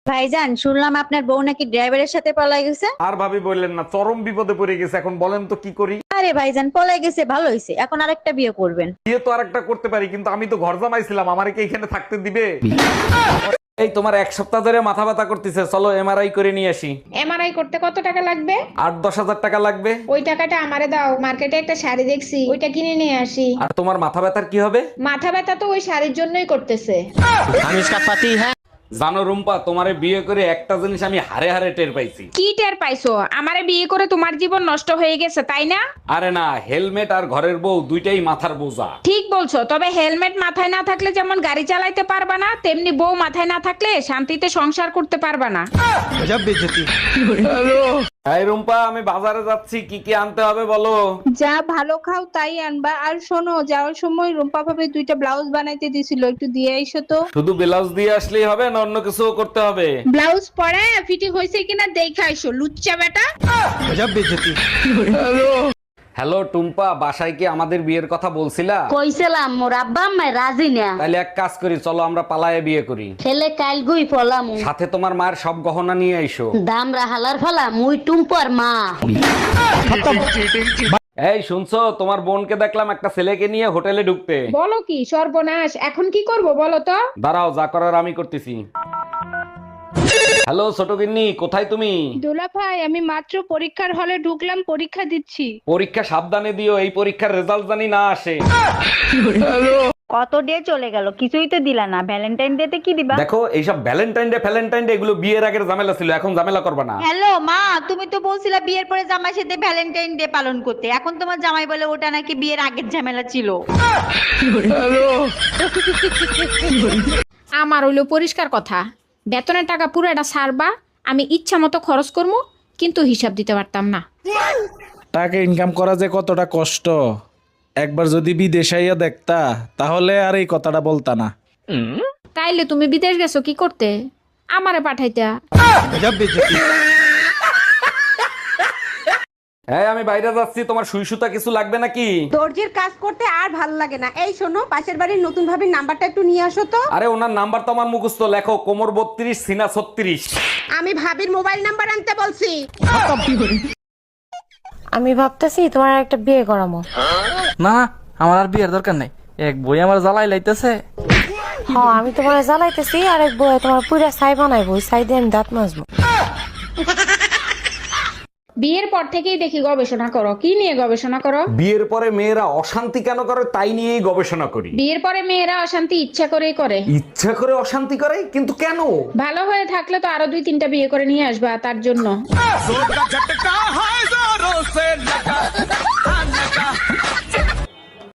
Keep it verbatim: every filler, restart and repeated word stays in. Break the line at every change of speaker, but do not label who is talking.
ভাইজান, শুনলাম আপনার বউ নাকি ড্রাইভারের সাথে পলাই গেছে।
আর ভাবি বললেন না, চরম বিপদে পড়ে গেছে। এখন বলেন তো কি করি?
আরে ভাইজান, পলাই গেছে ভালো হয়েছে, এখন আরেকটা বিয়ে করবেন।
বিয়ে তো আরেকটা করতে পারি, কিন্তু আমি তো ঘর জামাইছিলাম, আমারে কি এখানে থাকতে দিবে? এই তোমার এক সপ্তাহ ধরে মাথা ব্যথা করতেছে, চলো এমআরআই করে নিয়ে আসি।
এমআরআই করতে কত টাকা লাগবে?
আট দশ হাজার টাকা লাগবে।
ওই টাকাটা আমারে দাও, মার্কেটে একটা শাড়ি দেখছি, ওইটা কিনে নিয়ে আসি।
আর তোমার মাথা ব্যথার কি হবে?
মাথা ব্যথা তো ওই শাড়ির জন্যই করতেছে।
জানো রুম্পা, তোমারে বিয়ে করে একটা জিনিস আমি হারে হারে টের পাইছি।
কি টের পাইছো? আমারে বিয়ে করে তোমার জীবন নষ্ট হয়ে গেছে, তাই না?
আরে না, হেলমেট আর ঘরের বউ দুইটাই মাথার বোঝা।
ঠিক বলছো, তবে হেলমেট মাথায় না থাকলে যেমন গাড়ি চালাইতে পারবা না, তেমনি বউ মাথায় না থাকলে শান্তিতে সংসার করতে পারবা না।
এই রুম্পা, আমি বাজারে যাচ্ছি, কি কি আনতে হবে বলো?
যা ভালো খাও তাই আনবা। আর শোনো, যাওয়ার সময় রুম্পা ভাবে দুইটা ব্লাউজ বানাইতে দিছিল, একটু দিয়ে আইসো তো।
শুধু ব্লাউজ দিয়ে আসলেই হবে না অন্য কিছু করতে হবে?
ব্লাউজ পরে ফিটিং হয়েছে কিনা দেখে আইসো, লুচ্চা বেটা।
হ্যালো টুম্পা, বাসায় কি আমাদের বিয়ের কথা বলছিলা?
কইছিলাম মোর আব্বা আম্মা রাজি না।
তাহলে এক কাজ করি, চলো আমরা পালায়ে বিয়ে করি।
ছেলে কাল গুই ফলাম
সাথে তোমার মায়ের সব গহনা নিয়ে আইসো।
দাম রাহালার ফলা মুই টুম্পর মা।
এই শুনছো, তোমার বোনকে দেখলাম একটা ছেলেকে নিয়ে হোটেলে ঢুকতে।
বলো কি সর্বনাশ, এখন কি করব বলো তো?
দাঁড়াও, যা করার আমি করতেছি। হ্যালো ছোট গিন্নি, কোথায় তুমি?
দোলা ভাই, আমি মাত্র পরীক্ষার হলে ঢুকলাম, পরীক্ষা দিচ্ছি।
পরীক্ষা সাবধানে দিও, এই পরীক্ষার রেজাল্ট জানি না আসে।
কত ডে চলে গেল, কিছুই তো দিলা না। ভ্যালেন্টাইন ডে তে কি দিবা?
দেখো, এইসব ভ্যালেন্টাইন ডে ফ্যালেন্টাইন ডে এগুলো বিয়ের আগের ঝামেলা ছিল, এখন ঝামেলা করবে না।
হ্যালো মা, তুমি তো বলছিলা বিয়ের পরে জামাইয়ের সাথে ভ্যালেন্টাইন ডে পালন করতে, এখন তোমার জামাই বলে ওটা নাকি বিয়ের আগের ঝামেলা ছিল।
আমার হইলো পরিষ্কার কথা, বেতনের টাকা পুরোটা ছাড়বা, আমি ইচ্ছা মতো খরচ করবো, কিন্তু হিসাব দিতে পারতাম না।
টাকা ইনকাম করা যে কতটা কষ্ট, একবার যদি বিদেশাইয়া দেখতা তাহলে আর এই কথাটা বলতা না।
তাইলে তুমি বিদেশ গেছো কি করতে? আমারে পাঠাইতা।
হ্যাঁ, আমি বাইরে যাচ্ছি, তোমার সুই সুতা কিছু লাগবে নাকি?
দর্জির কাজ করতে আর ভাল লাগে না। এই শোনো, পাশের বাড়ির নতুন ভাবির নাম্বারটা একটু নিয়ে আসো তো।
আরে ওনার নাম্বার তো আমার মুখস্থ, লেখো কোমর বত্রিশ সিনা ছত্রিশ।
আমি ভাবির মোবাইল নাম্বার আনতে বলছি।
আমি ভাবতেছি তোমার একটা বিয়ে করামো।
না, আমার আর বিয়ের দরকার নাই, এক বই আমার জ্বালাই লাইতেছে।
হ্যাঁ, আমি তোমার জ্বালাইতেছি, আর এক বই তোমার পুরা ছাই বানাইবো, ছাই দিয়ে আমি দাঁত মাজবো।
বিয়ের পর থেকেই দেখি গবেষণা করো, কি নিয়ে গবেষণা করো?
বিয়ের পরে মেয়েরা অশান্তি কেন করে তাই নিয়েই গবেষণা করি।
বিয়ের পরে মেয়েরা অশান্তি ইচ্ছা করেই করে।
ইচ্ছা করে অশান্তি করে, কিন্তু কেন?
ভালো হয়ে থাকলে তো আরো দুই তিনটা বিয়ে করে নিয়ে আসবা তার জন্য।